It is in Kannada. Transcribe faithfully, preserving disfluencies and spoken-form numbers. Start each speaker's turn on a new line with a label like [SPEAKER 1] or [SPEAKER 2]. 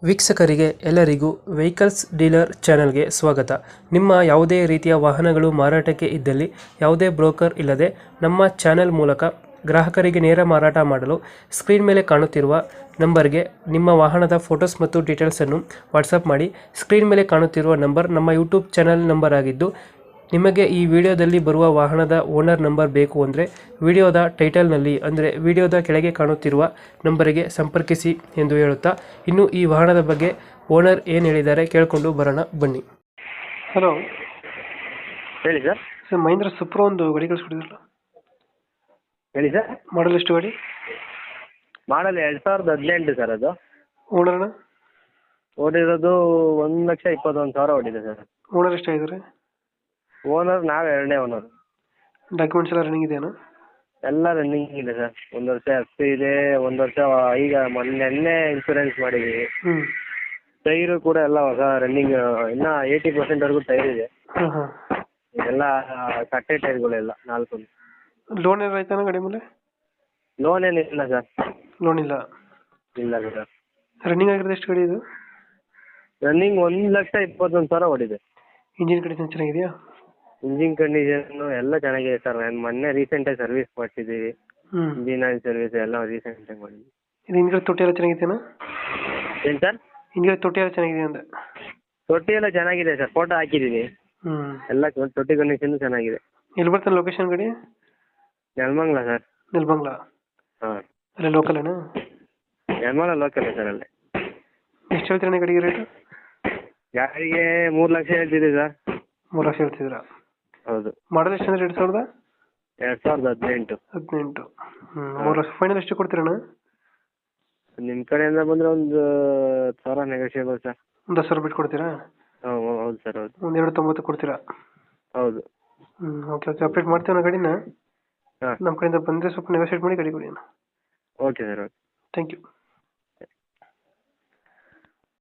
[SPEAKER 1] ವೀಕ್ಷಕರಿಗೆ ಎಲ್ಲರಿಗೂ ವೆಹಿಕಲ್ಸ್ ಡೀಲರ್ ಚಾನೆಲ್ಗೆ ಸ್ವಾಗತ. ನಿಮ್ಮ ಯಾವುದೇ ರೀತಿಯ ವಾಹನಗಳು ಮಾರಾಟಕ್ಕೆ ಇದ್ದಲ್ಲಿ ಯಾವುದೇ ಬ್ರೋಕರ್ ಇಲ್ಲದೆ ನಮ್ಮ ಚಾನೆಲ್ ಮೂಲಕ ಗ್ರಾಹಕರಿಗೆ ನೇರ ಮಾರಾಟ ಮಾಡಲು ಸ್ಕ್ರೀನ್ ಮೇಲೆ ಕಾಣುತ್ತಿರುವ ನಂಬರ್ಗೆ ನಿಮ್ಮ ವಾಹನದ ಫೋಟೋಸ್ ಮತ್ತು ಡೀಟೇಲ್ಸನ್ನು ವಾಟ್ಸಪ್ ಮಾಡಿ. ಸ್ಕ್ರೀನ್ ಮೇಲೆ ಕಾಣುತ್ತಿರುವ ನಂಬರ್ ನಮ್ಮ ಯೂಟ್ಯೂಬ್ ಚಾನೆಲ್ ನಂಬರ್ ಆಗಿದ್ದು, ನಿಮಗೆ ಈ ವಿಡಿಯೋದಲ್ಲಿ ಬರುವ ವಾಹನದ ಓನರ್ ನಂಬರ್ ಬೇಕು ಅಂದರೆ ವಿಡಿಯೋದ ಟೈಟಲ್ನಲ್ಲಿ ಅಂದರೆ ವಿಡಿಯೋದ ಕೆಳಗೆ ಕಾಣುತ್ತಿರುವ ನಂಬರಿಗೆ ಸಂಪರ್ಕಿಸಿ ಎಂದು ಹೇಳುತ್ತಾ, ಇನ್ನು ಈ ವಾಹನದ ಬಗ್ಗೆ ಓನರ್ ಏನು ಹೇಳಿದ್ದಾರೆ ಕೇಳಿಕೊಂಡು ಬರೋಣ ಬನ್ನಿ. ಹಲೋ
[SPEAKER 2] ಹೇಳಿ ಸರ್.
[SPEAKER 1] ಸರ್, ಮಹೀಂದ್ರ ಸುಪ್ರೋ ಒಂದು ಗಾಡಿ ಕಳಿಸ್ಕೊಡಿದ್ರಲ್ಲ,
[SPEAKER 2] ಹೇಳಿ ಸರ್.
[SPEAKER 1] ಮಾಡಲ್ ಎಷ್ಟು ಗಾಡಿ?
[SPEAKER 2] ಮಾಡಲ್ ಎರಡು ಸಾವಿರದ ಹದಿನೆಂಟು ಸರ್. ಅದು
[SPEAKER 1] ಓನರ್ನ
[SPEAKER 2] ಓಡಿರೋದು ಒಂದು ಲಕ್ಷ ಇಪ್ಪತ್ತೊಂದು ಸಾವಿರ ಓಡಿದೆ ಸರ್.
[SPEAKER 1] ಓನರ್ ಎಷ್ಟಾಗಿದ್ದಾರೆ?
[SPEAKER 2] ಓನರ್ ನಾವು ಎರಡನೇ ಓನರ್.
[SPEAKER 1] ಡಾಕ್ಯುಮೆಂಟ್ಸ್ ಎಲ್ಲ ರನ್ನಿಂಗ್ ಇದೆಯಾ?
[SPEAKER 2] ಎಲ್ಲ ರನ್ನಿಂಗ್ ಇದೆ ಸರ್. ಒಂದು ವರ್ಷ ಎಫ್ ಸಿ ಇದೆ, ಒಂದು ವರ್ಷ ಈಗ ಮೊನ್ನೆ ಇನ್ಶೂರೆನ್ಸ್ ಮಾಡಿದ್ದೀವಿ.
[SPEAKER 1] ಹ್ಞೂ
[SPEAKER 2] ಟೈರು ಕೂಡ ಎಲ್ಲ ಹೊಸ ರನ್ನಿಂಗ್, ಇನ್ನೂ ಏಯ್ಟಿ ಪರ್ಸೆಂಟ್ವರೆಗೂ ಟೈರ್ ಇದೆ.
[SPEAKER 1] ಹಾಂ ಹಾಂ
[SPEAKER 2] ಎಲ್ಲ ಕಟ್ಟೆ ಟೈರ್ಗಳೆಲ್ಲ ನಾಲ್ಕು.
[SPEAKER 1] ಲೋನ್ ಏನಾರು ಆಯ್ತಾನ ಗಾಡಿ ಮೇಲೆ?
[SPEAKER 2] ಲೋನ್ ಏನಿಲ್ಲ ಸರ್.
[SPEAKER 1] ಲೋನ್ ಇಲ್ಲ
[SPEAKER 2] ಇಲ್ಲ ಸರ್.
[SPEAKER 1] ರನ್ನಿಂಗ್ ಆಗಿರೋದು ಎಷ್ಟು ಗಾಡಿ ಇದು?
[SPEAKER 2] ರನ್ನಿಂಗ್ ಒಂದು ಲಕ್ಷ ಇಪ್ಪತ್ತೊಂದು ಸಾವಿರ ಓಡಿದೆ.
[SPEAKER 1] ಇಂಜಿನ್ ಕಂಡೀಷನ್ ಚೆನ್ನಾಗಿದೆಯಾ?
[SPEAKER 2] ಇಂಜಿನ್ ಕಂಡೀಷನ್ ಎಲ್ಲ ಚೆನ್ನಾಗಿದೆ ಸರ್. ನಾನು ಮೊನ್ನೆ ರೀಸೆಂಟಾಗಿ ಸರ್ವಿಸ್ ಮಾಡಿಸಿದ್ದೀವಿ.
[SPEAKER 1] ಹ್ಞೂ
[SPEAKER 2] ಇಂಜಿನ್ ಆಯಿಲ್ ಸರ್ವಿಸ್ ಎಲ್ಲ ರೀಸೆಂಟಾಗಿ ಮಾಡಿದ್ವಿ.
[SPEAKER 1] ಇದು ಹಿಂದ್ಗಡೆ ತೊಟ್ಟಿ ಎಲ್ಲ ಚೆನ್ನಾಗಿದೆಯಾ?
[SPEAKER 2] ಏನು ಸರ್?
[SPEAKER 1] ಹಿಂದ್ಗಡೆ ತೊಟ್ಟಿ ಎಲ್ಲ ಚೆನ್ನಾಗಿದೆ ಅಂದೆ.
[SPEAKER 2] ತೊಟ್ಟಿ ಎಲ್ಲ ಚೆನ್ನಾಗಿದೆ ಸರ್, ಫೋಟೋ ಹಾಕಿದ್ದೀನಿ.
[SPEAKER 1] ಹ್ಞೂ
[SPEAKER 2] ಎಲ್ಲ ತೊಟ್ಟಿ ಕಂಡೀಷನ್ ಚೆನ್ನಾಗಿದೆ.
[SPEAKER 1] ಎಲ್ಲಿ ಬರ್ತಾನೆ ಲೊಕೇಶನ್ ಗಾಡಿ?
[SPEAKER 2] ನೆಲಮಂಗಲ ಸರ್.
[SPEAKER 1] ನೆಲಮಂಗಲ
[SPEAKER 2] ಹಾಂ,
[SPEAKER 1] ಅಲ್ಲೇ ಲೋಕಲೇನಾ?
[SPEAKER 2] Nelamangala local sir. ಅಲ್ಲೇ.
[SPEAKER 1] ಎಷ್ಟು ಹೇಳ್ತೀರಾ ಗಾಡಿಗೆ ರೇಟು?
[SPEAKER 2] ಗಾಡಿಗೆ ಮೂರು ಲಕ್ಷ ಹೇಳ್ತಿದ್ದೀವಿ ಸರ್.
[SPEAKER 1] ಮೂರು ಲಕ್ಷ ಹೇಳ್ತಿದ್ದೀರಾ?
[SPEAKER 2] ಹೌದು.
[SPEAKER 1] ಮಾಡಲ್ ಎಷ್ಟು ಅಂದ್ರೆ ಎರಡು ಸಾವಿರದ
[SPEAKER 2] ಎರಡು ಸಾವಿರದ ಹದಿನೆಂಟು.
[SPEAKER 1] ಹದಿನೆಂಟು ಹ್ಞೂ ಮೂರು ಲಕ್ಷ ಫೈನಲ್ ಎಷ್ಟು ಕೊಡ್ತೀರಣ್ಣ?
[SPEAKER 2] ನಿಮ್ಮ ಕಡೆಯಿಂದ ಬಂದರೆ ಒಂದು ಹತ್ತು ಸಾವಿರ ನೆಗೋಷಿಯೇಬಲ್ ಸರ್.
[SPEAKER 1] ಒಂದು ಹತ್ತು ಸಾವಿರ ಬಿಟ್ಟು ಕೊಡ್ತೀರಾ?
[SPEAKER 2] ಹಾಂ ಹೌದು ಸರ್. ಹೌದು.
[SPEAKER 1] ಒಂದು ಎರಡು ತೊಂಬತ್ತು ಕೊಡ್ತೀರಾ?
[SPEAKER 2] ಹೌದು.
[SPEAKER 1] ಹ್ಞೂ ಓಕೆ ಓಕೆ ಅಪ್ಡೇಟ್ ಮಾಡ್ತೀವಿ ನಾವು ಗಾಡಿನ.
[SPEAKER 2] ಹಾಂ,
[SPEAKER 1] ನಮ್ಮ ಕಡೆಯಿಂದ ಬಂದರೆ ಸ್ವಲ್ಪ ನೆಗೋಷಿಯೇಟ್ ಮಾಡಿ ಗಾಡಿ ಕೊಡಿ ಅಣ್ಣ.
[SPEAKER 2] Okay sir. Okay.
[SPEAKER 1] Thank you.